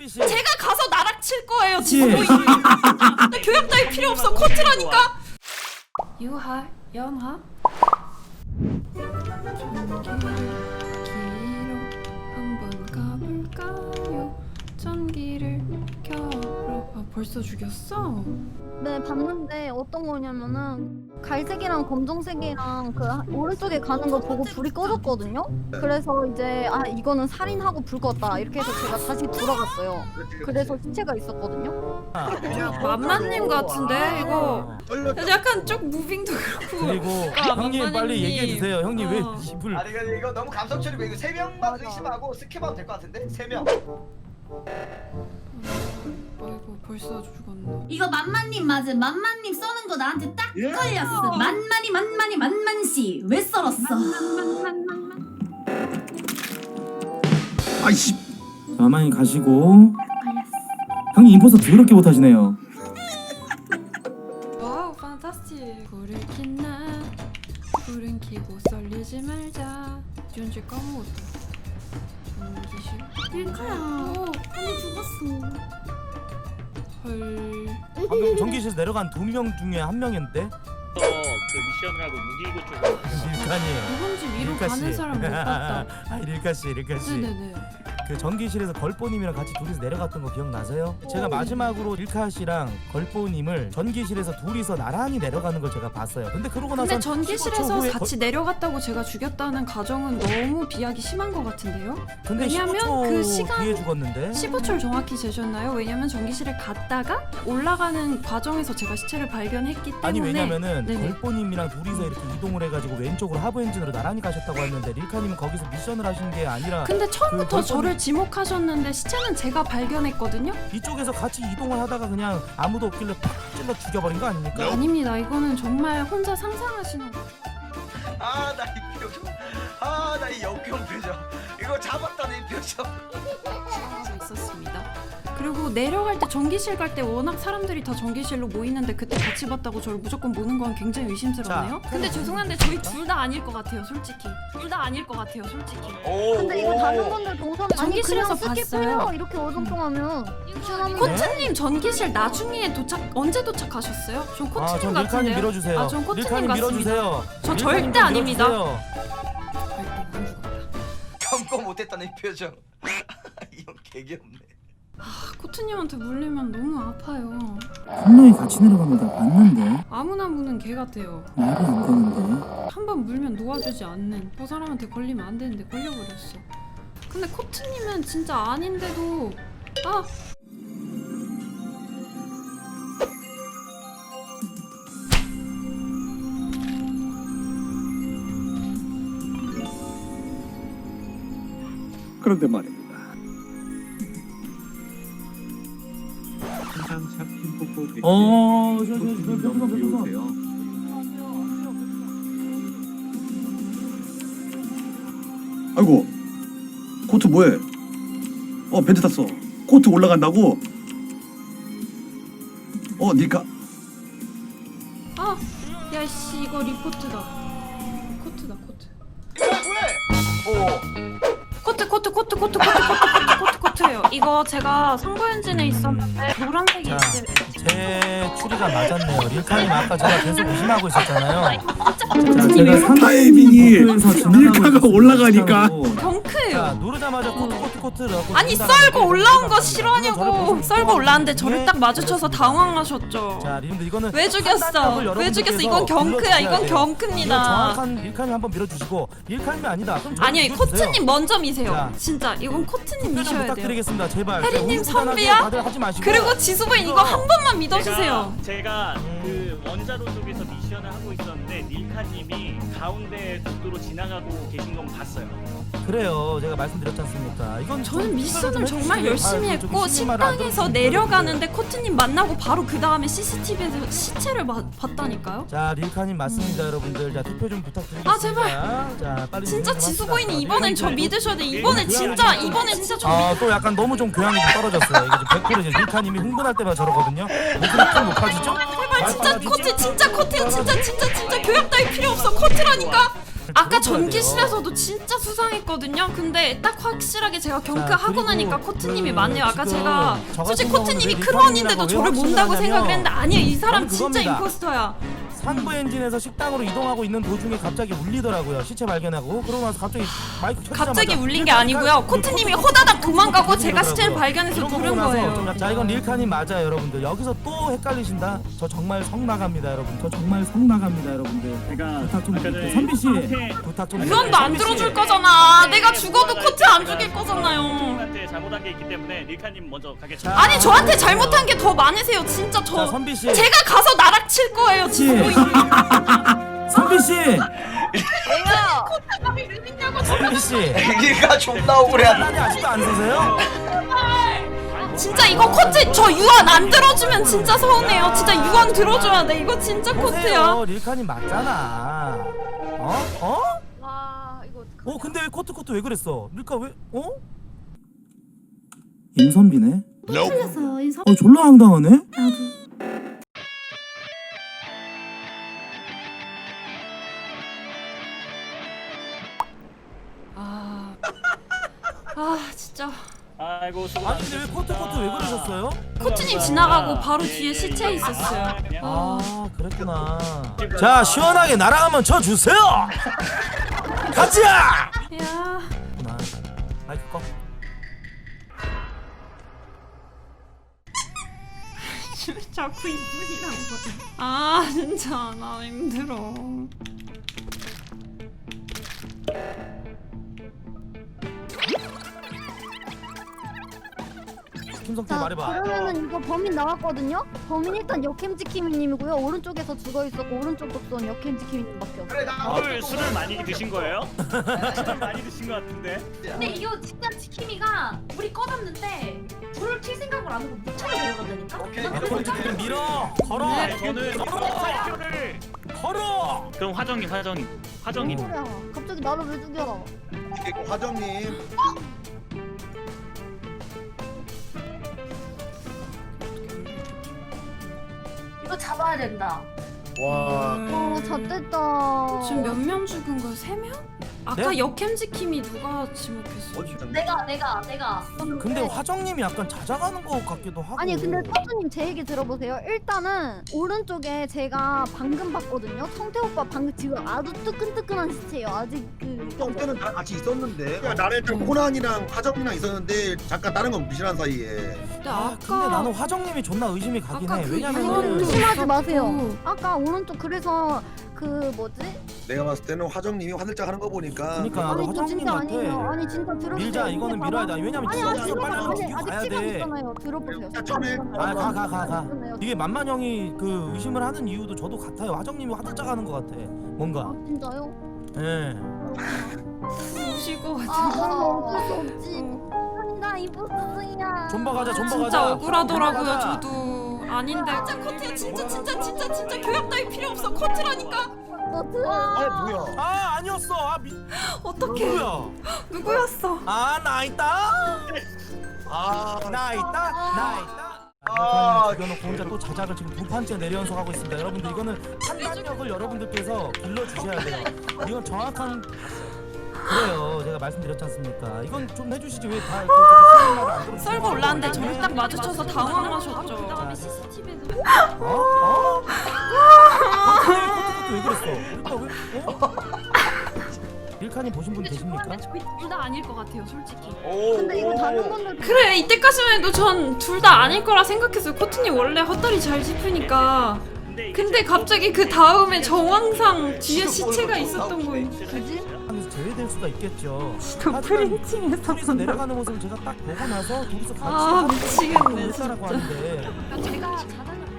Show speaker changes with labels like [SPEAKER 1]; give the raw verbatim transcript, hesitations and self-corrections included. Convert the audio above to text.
[SPEAKER 1] 제가 가서 나락 칠 거예요. 지수보이. 나 교양 따위 필요 없어. 코트라니까. 유하, 연하. 전기를 한번 가볼까요? 전기를 켜러. 아, 벌써 죽였어?
[SPEAKER 2] 네, 봤는데 어떤 거냐면은 갈색이랑 검정색이랑 그 오른쪽에 가는 거 보고 불이 꺼졌거든요? 그래서 이제 아 이거는 살인하고 불 껐다 이렇게 해서 제가 다시 돌아갔어요. 그래서 시체가 있었거든요.
[SPEAKER 1] 만만님 같은데 이거 약간 좀 무빙도 그렇고.
[SPEAKER 3] 그리고
[SPEAKER 1] 아,
[SPEAKER 3] 형님 빨리
[SPEAKER 1] 만만님.
[SPEAKER 3] 얘기해 주세요. 형님
[SPEAKER 1] 어.
[SPEAKER 3] 왜 집을
[SPEAKER 4] 아니 근데 이거 너무 감성처리고 이거 세 명만 의심하고 스킵하면 될 것 같은데? 세 명.
[SPEAKER 1] 아이고 벌써 죽었네.
[SPEAKER 5] 이거 만만님 맞음. 만만님 써는 거 나한테 딱
[SPEAKER 4] 예?
[SPEAKER 5] 걸렸어. 만만이 만만이 만만씨 왜 썰었어?
[SPEAKER 6] 아이씨. 가만히 가시고. 형님 인포서 더럽게 못하시네요.
[SPEAKER 1] 와우 판타스틱. 불을 켰나 불은 켜고 썰리지 말자. 윤지 까먹었다. 전기실.
[SPEAKER 5] 밀카야 언니 죽었어.
[SPEAKER 1] 헐.
[SPEAKER 3] 방금 전기실에서 내려간 두 명 중에 한 명인데
[SPEAKER 7] 그 미션을 하고 무기고 쪽으로
[SPEAKER 3] 릴카님.
[SPEAKER 1] 이번 집 위로
[SPEAKER 3] 릴카
[SPEAKER 1] 가는
[SPEAKER 3] 씨.
[SPEAKER 1] 사람 못 봤다.
[SPEAKER 3] 아 릴카 씨, 릴카 씨.
[SPEAKER 1] 네네네.
[SPEAKER 3] 그 전기실에서 걸보님이랑 같이 둘이서 내려갔던 거 기억나세요? 제가 마지막으로 릴카 씨랑 걸보님을 전기실에서 둘이서 나란히 내려가는 걸 제가 봤어요. 근데 그러고 나서
[SPEAKER 1] 근데 전기실에서 같이 내려갔다고 제가 죽였다는 가정은 너무 비약이 심한 것 같은데요?
[SPEAKER 3] 근데
[SPEAKER 1] 왜냐면
[SPEAKER 3] 십오 초
[SPEAKER 1] 그 시간-
[SPEAKER 3] 뒤에 죽었는데.
[SPEAKER 1] 십오 초를 정확히 재셨나요? 왜냐면 전기실에 갔다가 올라가는 과정에서 제가 시체를 발견했기 때문에.
[SPEAKER 3] 아니 왜냐면은
[SPEAKER 1] 네네.
[SPEAKER 3] 걸보님이랑 둘이서 이렇게 이동을 해가지고 왼쪽으로 하부 엔진으로 나란히 가셨다고 했는데 릴카님은 거기서 미션을 하신 게 아니라
[SPEAKER 1] 근데 처음부터
[SPEAKER 3] 그
[SPEAKER 1] 저를 지목하셨는데 시체는 제가 발견했거든요?
[SPEAKER 3] 이쪽에서 같이 이동을 하다가 그냥 아무도 없길래 팍 찔러 죽여버린 거 아닙니까?
[SPEAKER 1] 아닙니다. 이거는 정말 혼자 상상하시는 거예요.
[SPEAKER 4] 아나 이 표정. 아나 이 역겨운 표정. 이거 잡았다는 이 표정.
[SPEAKER 1] 하고 있었습니다. 그리고 내려갈 때 전기실 갈 때 워낙 사람들이 다 전기실로 모이는데 그때 같이 봤다고 저를 무조건 보는 건 굉장히 의심스럽네요.
[SPEAKER 3] 자,
[SPEAKER 1] 근데 죄송한데 저희 둘 다 아닐 것 같아요, 솔직히. 둘 다 아닐 것 같아요, 솔직히.
[SPEAKER 4] 오.
[SPEAKER 2] 근데 이거 다른 분들 동선 아니
[SPEAKER 1] 전기실에서
[SPEAKER 2] 그냥
[SPEAKER 1] 봤어요.
[SPEAKER 2] 스킵해요. 이렇게 어정쩡하면.
[SPEAKER 3] 네?
[SPEAKER 1] 코트님 전기실 나중에 도착 언제 도착하셨어요? 전
[SPEAKER 3] 아,
[SPEAKER 1] 코트님
[SPEAKER 3] 전 릴카님
[SPEAKER 1] 같은데요.
[SPEAKER 3] 밀어주세요.
[SPEAKER 1] 아, 전 코트님
[SPEAKER 3] 릴카님
[SPEAKER 1] 같습니다.
[SPEAKER 3] 밀어주세요.
[SPEAKER 1] 저
[SPEAKER 3] 릴카님
[SPEAKER 1] 절대 아닙니다.
[SPEAKER 3] 밀어주세요.
[SPEAKER 1] 아이고, 안 죽었다.
[SPEAKER 4] 참고 못했다는 이 표정. 이형 개귀엽네.
[SPEAKER 1] 아, 코트님한테 물리면 너무 아파요.
[SPEAKER 6] 한 명이 같이 내려가면 다 봤는데
[SPEAKER 1] 아무나 무는 개 같아요.
[SPEAKER 6] 말이 안 되는데.
[SPEAKER 1] 한 번 물면 놓아주지 않는. 저 사람한테 걸리면 안 되는데 걸려버렸어. 근데 코트님은 진짜 아닌데도 아
[SPEAKER 6] 그런데 말입니다. 어, 저, 저, 저, 별풍선, 별풍선. 아이고, 코트 뭐해? 어, 벤트 탔어. 코트 올라간다고? 어, 닐카.
[SPEAKER 1] 아, 야씨 이거 리포트다. 코트다 코트.
[SPEAKER 4] 이거 뭐해? 오.
[SPEAKER 1] 코트 코트 코트 코트 코트 코트 코트 코트예요. 이거 제가 선거 엔진에 있었는데 노란색이
[SPEAKER 3] 자,
[SPEAKER 1] 이제
[SPEAKER 3] 제 추리가 맞았네요. 릴카님 아까 제가 계속 의심하고 있었잖아요.
[SPEAKER 6] 자, 제가 상타이밍이 닐카가 올라가니까.
[SPEAKER 1] 경크예요.
[SPEAKER 3] 자, 누르자마자 코트 코트 코트라고.
[SPEAKER 1] 아니 썰고 올라온 거 싫어하냐고. 썰고 올라왔는데 저를 딱 마주쳐서 당황하셨죠.
[SPEAKER 3] 자, 리분들 이거는
[SPEAKER 1] 왜 죽였어? 왜 죽였어? 이건 경크야. 이건
[SPEAKER 3] 이거
[SPEAKER 1] 경크입니다.
[SPEAKER 3] 정확한 릴카님 한번 밀어주시고 릴카님이 아니다. 그럼 저를
[SPEAKER 1] 아니요,
[SPEAKER 3] 밀어주세요.
[SPEAKER 1] 코트님 먼저 미세요.
[SPEAKER 3] 자.
[SPEAKER 1] 진짜 이건 코트님
[SPEAKER 3] 좀
[SPEAKER 1] 미셔야 돼요.
[SPEAKER 3] 부탁드리겠습니다. 제발.
[SPEAKER 1] 혜리님
[SPEAKER 3] 흥분하게
[SPEAKER 1] 선비야?
[SPEAKER 3] 다들 하지 마시고.
[SPEAKER 1] 그리고 지수부인 이거 한 번만 믿어주세요.
[SPEAKER 7] 제가, 제가 그 원자로 쪽에서 미션을 하고 있었는데 닐카님이 가운데 복도로 지나가고 계신 건 봤어요.
[SPEAKER 3] 그래요. 제가 말씀드렸지 않습니까? 이건
[SPEAKER 1] 저는
[SPEAKER 3] 좀
[SPEAKER 1] 미션을
[SPEAKER 3] 좀
[SPEAKER 1] 정말
[SPEAKER 3] 해주시길
[SPEAKER 1] 열심히
[SPEAKER 3] 바라고
[SPEAKER 1] 했고
[SPEAKER 3] 좀 신임을 안
[SPEAKER 1] 식당에서
[SPEAKER 3] 들어주시면
[SPEAKER 1] 내려가는데 코트님 만나고 바로 그 다음에 씨씨티비에서 시체를 봐- 봤다니까요.
[SPEAKER 3] 자, 릴카님 맞습니다, 여러분들. 자, 투표 좀 부탁드리겠습니다.
[SPEAKER 1] 아, 제발.
[SPEAKER 3] 자, 빨리
[SPEAKER 1] 진짜
[SPEAKER 3] 좀 합시다.
[SPEAKER 1] 지수부인이
[SPEAKER 3] 자,
[SPEAKER 1] 이번엔 저
[SPEAKER 3] 릴카님
[SPEAKER 1] 믿으셔야 돼.
[SPEAKER 3] 좀-
[SPEAKER 1] 이번에
[SPEAKER 3] 릴카님
[SPEAKER 1] 진짜
[SPEAKER 3] 좀-
[SPEAKER 1] 이번에 진짜 저
[SPEAKER 3] 아, 또 약간 너무 좀 교양이 좀 떨어졌어요. 이게 좀 백 퍼센트 이제 릴카님이 흥분할 때마다 저러거든요. 목소리 좀 높아지죠?
[SPEAKER 1] 제발 진짜 코트 진짜 코트야 진짜 진짜 진짜 교양 따위 필요 없어 코트라니까. 아까
[SPEAKER 3] 들어줘야
[SPEAKER 1] 전기실에서도 진짜 수상했거든요. 근데 딱 확실하게 제가 경크하고
[SPEAKER 3] 그리고
[SPEAKER 1] 나니까 코트님이
[SPEAKER 3] 그
[SPEAKER 1] 맞네요. 아까
[SPEAKER 3] 지금
[SPEAKER 1] 제가
[SPEAKER 3] 저
[SPEAKER 1] 솔직히
[SPEAKER 3] 같은
[SPEAKER 1] 코트님이
[SPEAKER 3] 경우는
[SPEAKER 1] 크루원인데도
[SPEAKER 3] 왜
[SPEAKER 1] 저를
[SPEAKER 3] 확신을
[SPEAKER 1] 몬다고
[SPEAKER 3] 하냐면
[SPEAKER 1] 생각을 했는데 아니에요. 이 사람
[SPEAKER 3] 저는
[SPEAKER 1] 진짜
[SPEAKER 3] 그겁니다.
[SPEAKER 1] 임포스터야.
[SPEAKER 3] 상부 엔진에서 식당으로 이동하고 있는 도중에 갑자기 울리더라고요. 시체 발견하고 그러고 나서 갑자기 마이크 켜자마자
[SPEAKER 1] 갑자기 울린 게 아니고요. 코트님이 호다닥 도망가고 제가 시체를 발견해서
[SPEAKER 3] 이런 거
[SPEAKER 1] 부른
[SPEAKER 3] 보고 나서
[SPEAKER 1] 거예요.
[SPEAKER 3] 좀 자 이건 릴카님 맞아요 여러분들. 여기서 또 헷갈리신다. 저 정말 성 나갑니다 여러분. 저 정말 성 나갑니다 여러분들.
[SPEAKER 6] 제가
[SPEAKER 3] 부탁 좀
[SPEAKER 6] 아까
[SPEAKER 3] 드릴게요.
[SPEAKER 6] 전에
[SPEAKER 3] 선비 씨
[SPEAKER 6] 한테
[SPEAKER 3] 부탁 좀
[SPEAKER 1] 유언도 안
[SPEAKER 3] 선비 씨.
[SPEAKER 1] 들어줄 거잖아. 내가 죽어도 코트 안 죽일 거잖아요.
[SPEAKER 7] 한테 잘못한 게 있기 때문에 릴카님 먼저 가겠습니다.
[SPEAKER 1] 아니 저한테 잘못한 게 더 많으세요. 진짜
[SPEAKER 3] 자
[SPEAKER 1] 저
[SPEAKER 3] 선비 씨.
[SPEAKER 1] 제가 가서 나락 칠 거예요.
[SPEAKER 3] 씨.
[SPEAKER 1] 지금
[SPEAKER 3] 선비 씨.
[SPEAKER 2] 뭐야?
[SPEAKER 3] 선비 씨.
[SPEAKER 4] 애기가 존나 억울해한다.
[SPEAKER 3] 아니 아직도 안 서세요?
[SPEAKER 1] 진짜 이거 코트 저 유언 안 들어주면 진짜 서운해요. 진짜 유언 들어줘야 돼. 이거 진짜 코트야.
[SPEAKER 3] 보세요 릴카님 맞잖아. 어? 어?
[SPEAKER 2] 와 이거
[SPEAKER 3] 어 근데 왜 코트 코트 왜 그랬어? 릴카 왜? 어? 임선비네.
[SPEAKER 5] 틀렸어요. 이 선...
[SPEAKER 3] 어 졸라 황당하네.
[SPEAKER 5] 나도.
[SPEAKER 1] 아, 아 진짜
[SPEAKER 7] 아이고 수고
[SPEAKER 3] 아니 근데 왜 코트 코트 왜 그러셨어요?
[SPEAKER 1] 코트님 지나가고 바로 뒤에 시체 있었어요.
[SPEAKER 3] 아 그랬구나. 자 시원하게 나랑 한번 쳐주세요. 가자.
[SPEAKER 1] 야,
[SPEAKER 3] 구나. 마이크 꺼.
[SPEAKER 1] 자꾸 이분이란 거야. 아 진짜 나 힘들어.
[SPEAKER 3] 김성태
[SPEAKER 2] 자
[SPEAKER 3] 말해봐.
[SPEAKER 2] 그러면은 이거 범인 나왔거든요? 범인 일단 역캠지키미님이고요. 오른쪽에서 죽어 있었고 오른쪽 독소는 역캠지키미님밖에 없어요.
[SPEAKER 4] 그래 나
[SPEAKER 7] 오늘 술을 많이 드신 거예요? 술을 많이 드신 것 같은데.
[SPEAKER 5] 근데 이거 진짜 지킴이가 불이 꺼졌는데 불을 킬 생각을 안 하고 무차로 내려간다니까?
[SPEAKER 4] 오케이.
[SPEAKER 3] 아, 그럼 지금 밀어. 걸어.
[SPEAKER 1] 네.
[SPEAKER 7] 저는 발표를.
[SPEAKER 3] 걸어.
[SPEAKER 7] 그럼 화정님 화정님 화정님.
[SPEAKER 2] 뭔 소리야? 갑자기 나를 왜 죽여?
[SPEAKER 8] 이거 화정님
[SPEAKER 5] 이거 잡아야 된다.
[SPEAKER 8] 와
[SPEAKER 2] 어 잣됐다.
[SPEAKER 1] 지금 몇 명 죽은 거야? 세 명? 아까
[SPEAKER 3] 네?
[SPEAKER 1] 역캠지킴이 누가 지목했어?
[SPEAKER 8] 어 진짜
[SPEAKER 5] 내가 내가 내가.
[SPEAKER 3] 근데 화정님이 약간 찾아가는 것 같기도 하고.
[SPEAKER 2] 아니 근데 서준님 제 얘기 들어보세요. 일단은 오른쪽에 제가 방금 봤거든요. 성태 오빠 방금 지금 아주 뜨끈뜨끈한 시체예요. 아직 그
[SPEAKER 8] 성태는 다 같이 있었는데 나를 좀 호난이랑 화정이랑 있었는데 잠깐 다른 건 무시한 사이에
[SPEAKER 1] 근데
[SPEAKER 3] 아
[SPEAKER 1] 아까
[SPEAKER 3] 근데 나는 화정님이 존나 의심이 가긴
[SPEAKER 1] 아까
[SPEAKER 3] 해.
[SPEAKER 1] 그
[SPEAKER 2] 아니
[SPEAKER 3] 왜냐면은
[SPEAKER 2] 의심하지 마세요.
[SPEAKER 1] 어.
[SPEAKER 2] 아까 오른쪽 그래서 그 뭐지?
[SPEAKER 8] 내가 봤을 때는 화정님이 화들짝 하는 거 보니까
[SPEAKER 3] 그러니까 나도
[SPEAKER 2] 아니 저
[SPEAKER 3] 화정님
[SPEAKER 2] 진짜
[SPEAKER 3] 같아.
[SPEAKER 2] 아니에요. 아니 진짜 들어보세요.
[SPEAKER 3] 밀자 이거는
[SPEAKER 2] 이게
[SPEAKER 3] 밀어야
[SPEAKER 2] 봐봐.
[SPEAKER 3] 돼. 왜냐면
[SPEAKER 2] 아니
[SPEAKER 3] 지금
[SPEAKER 2] 아직
[SPEAKER 3] 여기서 빨리
[SPEAKER 2] 들어봐요.
[SPEAKER 3] 가서
[SPEAKER 2] 아니
[SPEAKER 3] 죽이고
[SPEAKER 2] 아직
[SPEAKER 3] 가야
[SPEAKER 2] 시간
[SPEAKER 3] 돼.
[SPEAKER 2] 있잖아요. 들어보세요.
[SPEAKER 8] 자, 처음에-
[SPEAKER 3] 아 가 가 가 가.
[SPEAKER 2] 있잖아요.
[SPEAKER 3] 이게 만만 형이 그 의심을 하는 이유도 저도 같아요. 화정님이 화들짝 하는 것 같아. 뭔가.
[SPEAKER 2] 아 진짜요?
[SPEAKER 3] 예.
[SPEAKER 1] 우시고
[SPEAKER 2] 아
[SPEAKER 1] 같은.
[SPEAKER 2] 어쩔 수 없지.
[SPEAKER 1] 어.
[SPEAKER 2] 아니 나 이보스야.
[SPEAKER 3] 존버 가자 존버
[SPEAKER 1] 진짜
[SPEAKER 3] 가자.
[SPEAKER 1] 억울하더라고요.
[SPEAKER 3] 존버 가자.
[SPEAKER 1] 저도 아닌데. 진짜 코트야. 진짜 진짜 진짜 진짜 교양 따위 필요 없어. 코트라니까.
[SPEAKER 2] 너 들어.
[SPEAKER 8] 아 뭐야
[SPEAKER 3] 아 아니었어. 아 미.
[SPEAKER 1] 어떡해.
[SPEAKER 3] 누구야?
[SPEAKER 1] 누구였어?
[SPEAKER 3] 아 나 있다.
[SPEAKER 8] 아
[SPEAKER 3] 나 있다. 나 있다.
[SPEAKER 4] 아,
[SPEAKER 3] 아, 죽여놓고 혼자 또 자작을 지금 두 판째 내려연속하고 있습니다. 여러분들 이거는 판단력을 여러분들께서 길러주셔야 돼요. 이건 정확한 그래요. 제가 말씀드렸지 않습니까? 이건 좀 해주시지 왜 다 이렇게 저기 말을 안 들어?
[SPEAKER 1] 썰고 올랐는데 저를 딱 마주쳐서 당황하셨죠. 그다음에 씨씨티비에서
[SPEAKER 3] 어? 어? 아, 코트코트 왜 그랬어? 릴카 왜? 어? 릴카님 보신 분 계십니까?
[SPEAKER 1] 저희 둘 다 아닐 것 같아요, 솔직히.
[SPEAKER 4] 오.
[SPEAKER 2] 근데 이거 다른 분들
[SPEAKER 1] 그래 이때까지만 해도 전 둘 다 아닐 거라 생각했어요. 코트님 원래 헛다리 잘 짚으니까. 근데 갑자기 그 다음에 정황상 뒤에 시체가 있었던 거예요.
[SPEAKER 2] 그지?
[SPEAKER 3] 하면서 제외될 수가 있겠죠.
[SPEAKER 1] 또
[SPEAKER 3] 하지만
[SPEAKER 1] 프린팅에서
[SPEAKER 3] 둘이서 내려가는 모습을 제가 딱 보고 나서 둘이서 같이
[SPEAKER 1] 아, 미치겠네,
[SPEAKER 3] 라고
[SPEAKER 1] 진짜.
[SPEAKER 3] 하는데
[SPEAKER 5] 제가 자다가